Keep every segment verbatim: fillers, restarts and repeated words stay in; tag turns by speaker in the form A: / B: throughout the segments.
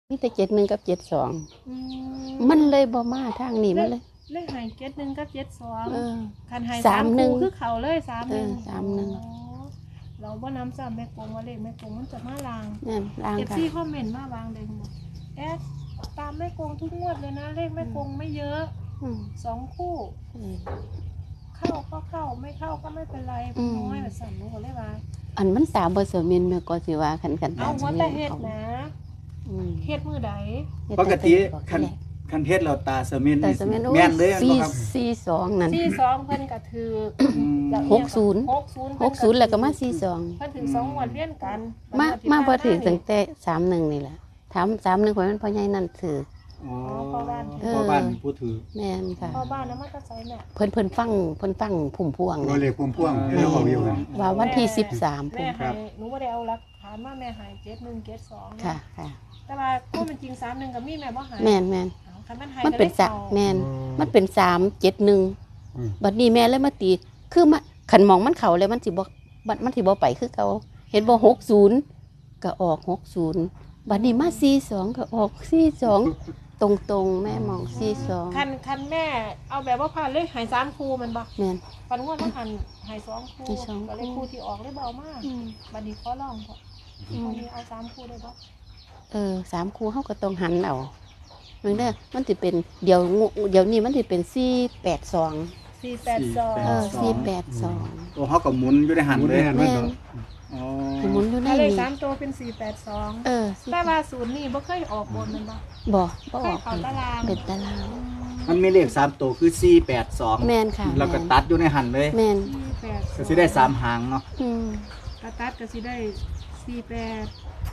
A: มีแต่เจ็ดหนึ่งกับเจ็ดสองมันเลยบ่มาทางนี้มันเลย
B: เลขหายเจ็ดหนึ่งกับเจ็ดสองคันหาย
A: สามหนึ่ง
B: คือเขาเลยสามหนึ่ง
A: สามหนึ่ง
B: เราบ่น้ำซ้ำแม่กงว่าเลขแม่กงมันจะมาลาง
A: นั่นลางค่ะ
B: เอฟซีคอมเมนต์มาวางเลยหมดแอดตามแม่กงทุกงวดเลยนะเลขแม่กงไม่เยอะสองคู่เข้าก็เข้าไม่เข้าก็ไม่เป็นไรน้อยแบบสั่นหนูก็เลยว่า
A: อันมันตามบ่เสมียนแม่ก็สิว่าคันกัน
B: เอาหัวแต่เฮ็ดนะเฮ็ดมือใด
C: ปกติคันคันเฮ็ดเราตาเสมียนแม่นเลย
A: สี่สี่สองนั่น
B: สี่สองเพิ่นก็ถือ
A: หกศูนย์หกศูนย์แล้วก็มาสี่สอง
B: เพิ่นถึงสองงวดเรียนกัน
A: มามาบ่ถือตั้งแต่สามหนึ่งนี่แหละถามสามหนึ่งข่อยมันพ่อใหญ่นั่นถือ
C: อ๋อพ่อบ้านพ่อบ้านผู้ถือ
A: แม่นค่ะ
B: พ่อบ้านแล้วมันก็ใส่แม่
A: เพิ่นเพิ่นฟังเพิ่นฟังพุ่มพวง
D: บ่เลขพุ่มพวงแล้วเอาอยู่กัน
A: ว่าวันที่สิบสาม
B: พุ่มครับหนูบ่ได้เอาหลักฐานว่าแม่หายเจ็ดหนึ่งเจ็ดสอง
A: ค่ะค่ะ
B: แต่ว่าก็มันจริงสามหนึ่งกับมีแม่บ่หาย
A: แม่นแม่น
B: มัน
A: เป็นสามแม่นมันเป็นสามเจ็ดหนึ่งบัดนี้แม่เลยมาตีคือมาขันมองมันเข่าเลยมันสิบ่บัดมันสิบ่ไปคือเก่าเห็นบ่หกศูนย์ก็ออกหกศูนย์บัดนี้มาสี่สองก็ออกสี่สองตรงตรงแม่มองสี่สอง
B: คันคันแม่เอาแบบว่าผ่านเลยหายสามคู่มันบ่
A: แม่น
B: ปันงวดมันหันหายสองคู่ก็เลยคู่ที่ออกเลยเบามากบัดนี้ขอลองพอวันนี้เอาสามคู่ได้บ่
A: เออสามคู่เขาก็ต้องหันเอาเมื่อเด้อมันจะเป็นเดี๋ยวเดี๋ยวนี้มันจะเป็นสี่แปดสอง
B: สี่แปดสอง
A: เออสี่แปดสอง
C: โอ้เขาก็หมุนอยู่ในหันเลย
A: แม่น
C: อ๋อ
A: หมุนอยู่ใน
B: เลข
A: นี้
B: สามตัวเป็นสี่แปดสอง
A: เออ
B: แต่ว่าศูนย์นี่บ่เคยออกบนมันบ่
A: บ่บ่ออก
B: เขาตาราง
A: เป็นตาราง
C: มันมีเลขสามตัวคือสี่แปดสอง
A: แม่นค่ะ
C: แล้วก็ตัดอยู่ในหันเลย
A: แม่น
C: ก็สิได้สามหางเนาะ
A: อืม
B: กระตัดก็สิได้สี่แปด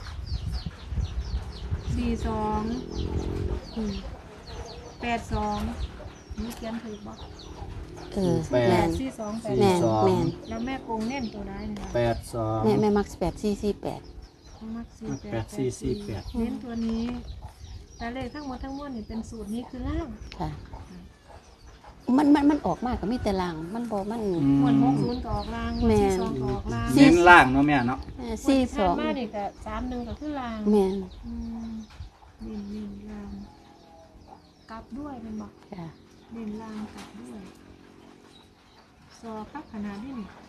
B: สี่สองแปดสองนี่เขียนถูกบ่
A: เออ
B: แปดสี่สองแปด
A: สองแม่น
B: แล้วแม่กงเน้นตัวไหนเนี่ย
C: แปดสอง
A: แม่แม่มักแปดสี่สี่แปด
B: มักสี่
C: แปดสี่สี่แปด
B: เน้นตัวนี้แต่เลขทั้งหมดทั้งมวลนี่เป็นสูตรนี้คือล่าง
A: ค่ะมันมันมันออกมากก็มีแต่ล่างมันบ่มัน
B: หมวดหกศูนย์ก็ออกล่างสี่สองก็ออกล่าง
C: เน้นล่างเนาะแม่เนาะ
A: สี่สอง
B: มาดิก็สามหนึ่งก็คือล่าง
A: แม่น
B: ดินดินล่างกลับด้วยเป็นบอกดินล่างกลับด้วยซอครับขนาดนี้นี่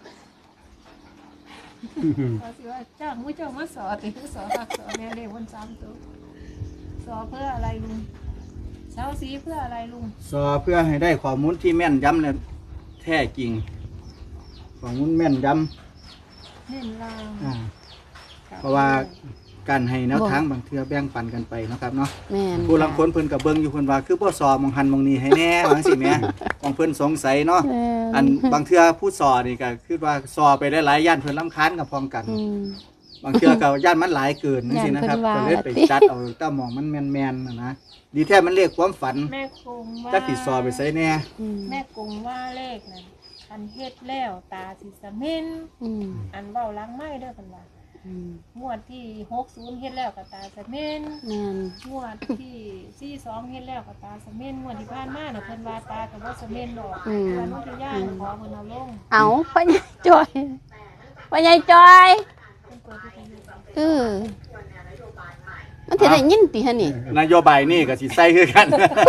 B: ซอสิว่าเจ้ามุ้ยเจ้ามาสอติคือสอคักสอแม่เด็กวันสามตัวสอเพื่ออะไรลุงเช้าสีเพื่ออะไรลุง
C: สอเพื่อให้ได้ข้อมูลที่แม่นยำและแท้จริงข้อมูลแม่นย
B: ำเน้นล่าง
C: เพราะว่าการให้แนวทางบางเทื่อแบ่งปันกันไปนะครับเนาะ
A: แม่น
C: ผู้ลังคนเพิ่นกับเบิ่งอยู่เพิ่นว่าคือบ่สอมองหันมองนี้ให้แน่บางสิแม่ของเพิ่นสงสัยเนาะอันบางเทื่อผู้สอนี่ก็คือว่าสอไปได้หลายย่านเพิ่นรำคาญกับพร้อมกันบางเทื่อก็ย่านมันหลายเกินจังซี่นะครับก็เลยไปจัดเอาแต่หม่องมันแม่นๆน่ะนะดีแท้มันเลขความฝัน
B: แม่กงว่า
C: จักสิสอไปใส่แน่
B: แม่กงว่าเลขนั่นอันเฮ็ดแล้วตาสิสะเม็นอันเว้าล้างไม้เด้อเพิ่นว่างวดที่หกศูนย์เฮ็ดแล้วกับตาสะเม็นงวดที่สี่สองเฮ็ดแล้วกับตาสะเม็นงวดที่ผ่านมาน่ะเพิ่นว่าตากับว่าสะเม็นดอกวันนู้นจะย่างขอเพิ่นเอาลง
A: เอาพ่อใหญ่จอยพ่อใหญ่จอยเออมันสิได้ยินติฮะนี่
C: นโยบายนี่ก็สิใส่คือกัน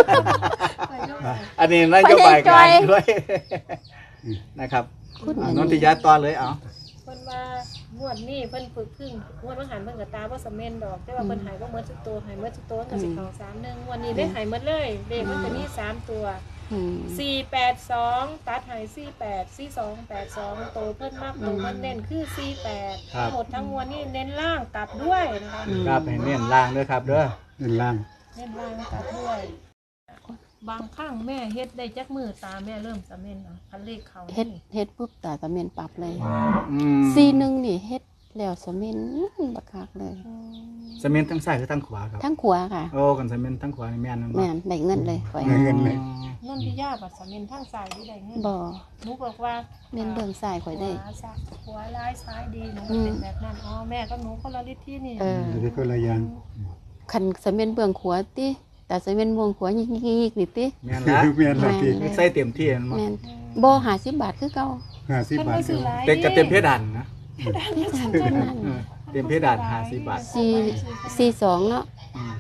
C: อันนี้นโยบายการด้วยนะครับนนทิยาต่อเลยเอา
B: เพิ่นว่างวดนี้เพิ่นฝึกพึ่งงวดเพิ่นหันเพิ่นก็ตาบ่สะเม็นดอกแต่ว่าเพิ่นหายบ่หมดทุกตัวหายหมดทุกตัวก็สิเข้าสามหนึ่งงวดนี้ได้หายหมดเลยเลขมันจะมีสามตัวสี่แปดสองตัดหายสี่แปดสี่สองแปดสองโตเพิ่นมากโตเพิ่นเน้นคือสี่แปดทั้งหมดทั้งมวลนี่เน้นล่างกลับด้วยนะคะ
C: กลับให้เน้นล่างด้วยครับเด้อ
D: เน้นล่าง
B: เน้นล่างกลับด้วยบางครั้งแม่เฮ็ดได้จักมือตาแม่เริ่มสะเม็นอ่ะคันเลขเขา
A: เฮ็ดเฮ็ดปุ๊บตาสะเม็นปรับเลยสี่หนึ่งนี่เฮ็ดแล้วสะเม็นบักคักเลย
C: สะเม็นทั้งซ้ายหรือทั้งขวาครับ
A: ทั้งขวาค่ะ
C: โอ้กันสะเม็นทั้งขวานี่แม่น
A: แม่นได้เงินเลย
D: ข่อยได้เงินเลย
B: นนทิยาบัดสะเม็นทั้งซ้ายที่ได้เงิน
A: บ่
B: หนูบอกว่า
A: เม็นเบื้องซ้ายข่อยได้
B: ขวาร้ายซ้ายดีหนูเป็นแบบนั้นอ๋อแม่ก็หนูคนละฤทธิ์ที่นี่
A: เออ
D: เดี๋ยวคนละอย่าง
A: คันสะเม็นเบื้องขวาติแต่สะเม็นเบื้องขวายิกๆนี่ติ
C: แม่นละ
D: แม่นละติ
C: ใส่เต็มที่
A: แม่นบ่ห้าสิบบาทคือเก่า
D: ห้าสิบบาท
C: เต็มกับเต็มเพดานนะ
A: เพดานเท่านั้น
C: เต็มเพดานห้าสิบบาท
A: สี่ สี่สองเนาะ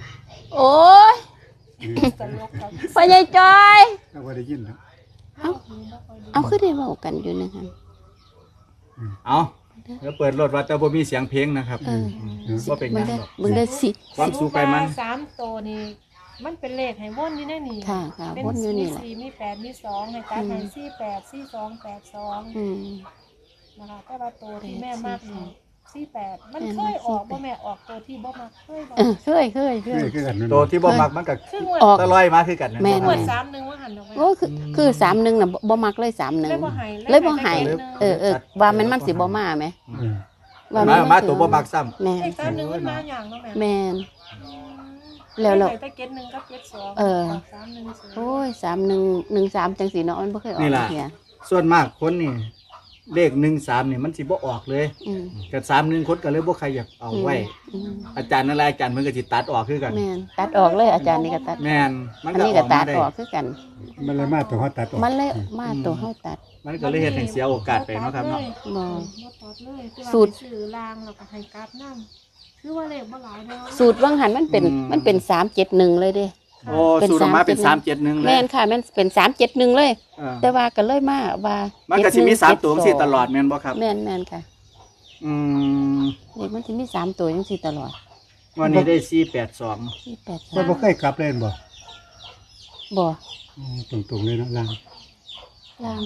A: โอ้ย
B: ตลกครับ
A: พ่อใหญ่จอย
D: เราบ่ได้ยินนะ
A: เอาเอาคือได้เว้ากันอยู่นะคะ
C: เอาเดี๋ยวเปิดรถว่าแต่บ่มีเสียงเพลงนะครับ
A: เออ
C: บ่เป็นห
A: มึ
C: ยัง ง
A: ได้
C: หรอก
A: มึงได้สิ
C: ความสุขไปมัน
B: สามตัวนี่มันเป็นเลขให้วนอยู่ในนี่
A: ค่ะค่ะ
B: เป็น
A: วนอยู่นี่แหละ
B: สี่มีแปดมีสองให้ตัดให้สี่แปดสี่สองแปดสอง
A: อืม
B: นะคะแต่ว่าตัวที่แม่มากนี่สี่แปดมัน
A: แม่
B: เค
A: มาก
B: ยออก
A: สี่แปด
B: บ่แม่ออกตัวที่บ่มักเคยบ่
A: เออเคยเคยเค
D: คือย คือกันนั่น
C: ตัวที่บ่มักมันก็
B: คืองวด
A: ออก
C: ตะลอยมาคือกันนะ
A: แม่น
B: งวดสามหนึ่งว่าหันออกไป
A: โอ้คือคือสามหนึ่งน่ะบ่บ่มักเลยสามหนึ่ง
B: เลยบ่ใหาย
A: เลยบ่ใหายเออเออว่ามันมันสิบ่มาไหม
D: เออ
A: ว่า
C: มา
A: มัน
C: มาตัวบ่มักซ้ำ
A: แม่น
B: เลขสามหนึ่งมันมาอย่างเนาะแม่
A: แม่น แล้วเรา
B: เลขไปเก็ตหนึ่งกับเก็ตสอง
A: เออ
B: สามหนึ่งศูนย์
A: โอ้ยสามหนึ่งหนึ่งสามจังสีเนาะมันบ่เคยออก
C: นี่ล่ะ
A: เที่ย
C: ส่วนมากคนนี่เลขหนึ่งสามนี่มันสิบ่ออกเลย
A: อืม
C: กับสามหนึ่งคนก็เลยบ่ใครอยากเอาไว้
A: อืม
C: อาจารย์นั่นแหละอาจารย์เพิ่นก็สิตัดออกคือกัน
A: แม่นตัดออกเลยอาจารย์นี่ก็ตัด
C: แม่นมัน
A: อัน
C: ก็
A: นี้
C: อ
A: ก็
C: อก
A: ตั
C: มา
A: ด
C: ได้
A: ออกคือกัน
D: มันเลยมาตัวเฮาตัดออก
A: มันเลยมาตัวเฮาตัด
C: มันก็เลยเฮ็ดให้เสียโอกาสไปเนาะครับเนาะ
A: บ่
B: บ่ตัดเลยคือว่า
A: สูตร
B: ไปซื้อรางแล้วก็ให้กราฟนำคือว่าเลขบ่หลายเด้อ
A: สูตรวังหันมันเป็นมันเป็นสามเจ็ดหนึ่งเลยเด้
C: โอ้สูตรออกมาเป็นสามเจ็ดหนึ่งเล
A: แม่
C: ย
A: นค่ะแม่นเป็นสามเจ็ดหนึ่งเลย
C: เออ
A: แต่ว่าก็เลยมาว่า
C: มันก็สิมีสามตัวจังซี่ตลอดแม่นบ่ครับ
A: แม่นแม่นค่ะ
C: อืม
A: เด็กมันสิมีสามตัวจังซี่ตลอด
C: วันนี้ได้สี่แปดสอง
A: สี่แปด
D: มันบ่เคยกลับเล่นบ่
A: บ่
D: อืมตรงๆเลยเนาะล่าง
A: ลาง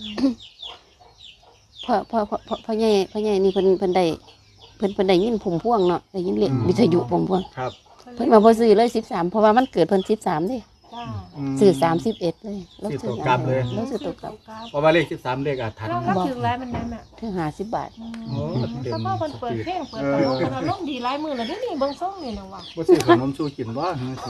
A: พอพอพอพอพ่อใหญ่พ่อใหญ่นี่เพิ่นเพิ่นได้เพิ่นเพิ่นได้ยินพุ่มพวงเนาะได้ยินเรียกวิทยุพุ่มพวง
C: ครับ
A: เพิ่นมาบ่ซื้อเลยสิบสามเพราะว่ามันเกิดเพิ่นสิบสามเด้
B: จ้า
C: ม
A: ซื้อสามสิบเอ็ดเลย
C: ซื้อตัวกลับเลย
A: แล้วซื้อตัวกลับ
C: เพราะว่าเลขสิบสามเลขอาถรรพ์
B: เราก็ถึงแล้วมันนั้นน่ะ
A: ถึงห้าสิบบาท
C: โอ้เต็ม
B: ถ้าพ่อมันเปิดเพลงเปิดตลกมันอารมณ์ดีหลายมื้อแล้วเดี๋ยวนี้เบิ่งส่งนี่นะว่ะ
C: บ่ซื้อขนมสู้กินบ่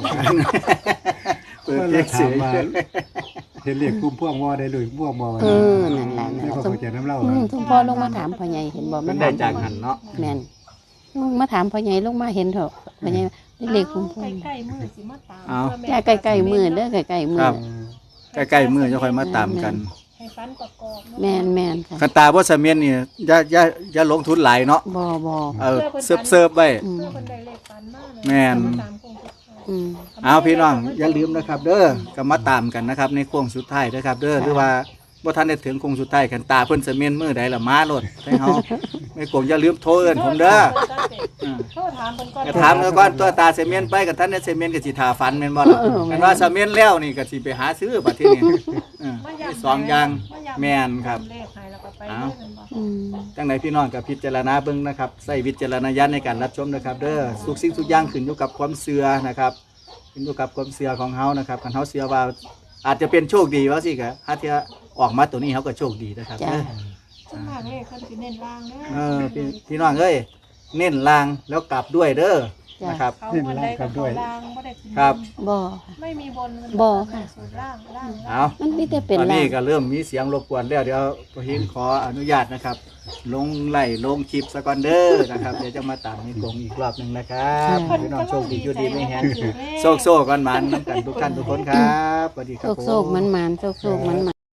C: เปิด
D: ก็
C: เพ
D: เล
C: ล
D: ย
C: ง
D: ถา
C: เสี
D: ม
C: ย
D: ว่าเห็นเรียกพุ่มพวงบ่ได้เลยพวงบ่ว่า
A: เออนั่นล่ะ
D: ไม่
A: นะ
D: เข้า
A: สม
D: ใจน้ำเล่า
A: อืมทุกพ่อลงมาถามพ่อใหญ่เห็นบ่
C: มั
A: มาน
C: ได้
A: ถาม
C: จากหันเนาะ
A: แม่นลงมาถามพ่อใหญ่ลงมาเห็นเถอะพ่อใหญ่ได้เลขพุ่มพวง
B: ใกล้ๆมื้อสิมาตาม
C: เอา
A: จ้าใกล้ๆมือเด้อใกล้ๆมื
C: ครั
A: อบ
C: ใกล้ๆมื้อจะค่อยมาตามกัน
B: ให้ฟันประกอบเนาะ
A: แม่นแม่นค่ะ
C: คันตาบ่เสมียนนี่อย่าอย่าอย่าลงทุนหลายเนาะ
A: บ่บ่
C: เออเซิร์ฟเซิร์ฟไว้
A: อืม
B: เพื่อเพิ่นได้เลขฟันมาเลย
C: แม่น
B: มาตามโคงสุดท้าย
A: อืม
C: เอาพี่น้องอย่าลืมนะครับ เด้อก็มาตามกันนะครับ ในโค้งสุดท้ายนะครับ เด้อหรือว่าบ่ทันได้ถึงโค้งสุดท้ายคันตาเพิ่นเสมียนมื้อใดล่ะมาโลดให้เฮาไม่โกงอย่าลืมโทรเอิ้นผมเด้อ
B: โทษถามเพิ่นก่อน
C: ก็ถามแล้วก่อนตัวตาเสมียนไปกับท่านเนี่ยเสมียนก็สิทาฟันแม่นบ่ล่ะแม่นว่าเสมียนแล้วนี่ก็สิไปหาซื้อบัดทีนี้เออ
B: มา
C: มี
B: ย้ำ
C: สองอย่าง
B: าย้ำ
C: แม่นครับ
B: เลขให้แล้วก็ไป
C: เอา
B: เลยแม่นบ่
A: อืม
C: จังไดพี่น้องก็พิจารณาเบิ่งนะครับใส่วิจารณญาณในการรับชมนะครับ เด้อทุกสิ่งทุกอย่างขึ้นอยู่กับความเชื่อนะครับขึ้นอยู่กับความเชื่อของเฮานะครับคันเฮาเชื่อว่าอาจจะเป็นโชคดีว่าสิก็ถ้าเที่ยออกมาตัวนี้เฮาก็โชคดีนะครับ
A: จ้า
C: เด้อ
B: ส่วนมากเลขเพิ่นสิเน้นล่างเด้อ
C: เออพี่พี่น้องเอ้ยเน้นลางแล้วกลับด้วยเด้อนะครับ
B: เขาบ่ได้ก็เขาล่างบ่ได้ขึ้น
C: ครับ
A: บ่
B: ไม่มีบน
A: บ่ค่ะ
B: สูตรล่างล่าง
C: เอา
A: มันมีแต่เป็น
C: ตอน
A: ลา
C: นี้
A: ง
C: ก็เริ่มมีเสียงรบกวนแล้วเดี๋ยวพอเห็นขออนุญาตนะครับ ลงไล่ลงคลิปสกอนเดอร์นะครับ เดี๋ยวจะมาตามในกรงอีกรอบหนึ่งนะครับพี่น้องโชคดีอยู่ดีไม่แห้งโซกโซกันมันน้ำกันทุกท่านทุกคนครับสวัสดีค
A: โช
C: รับ
A: คโชคมันมันโชคโชคมันมัน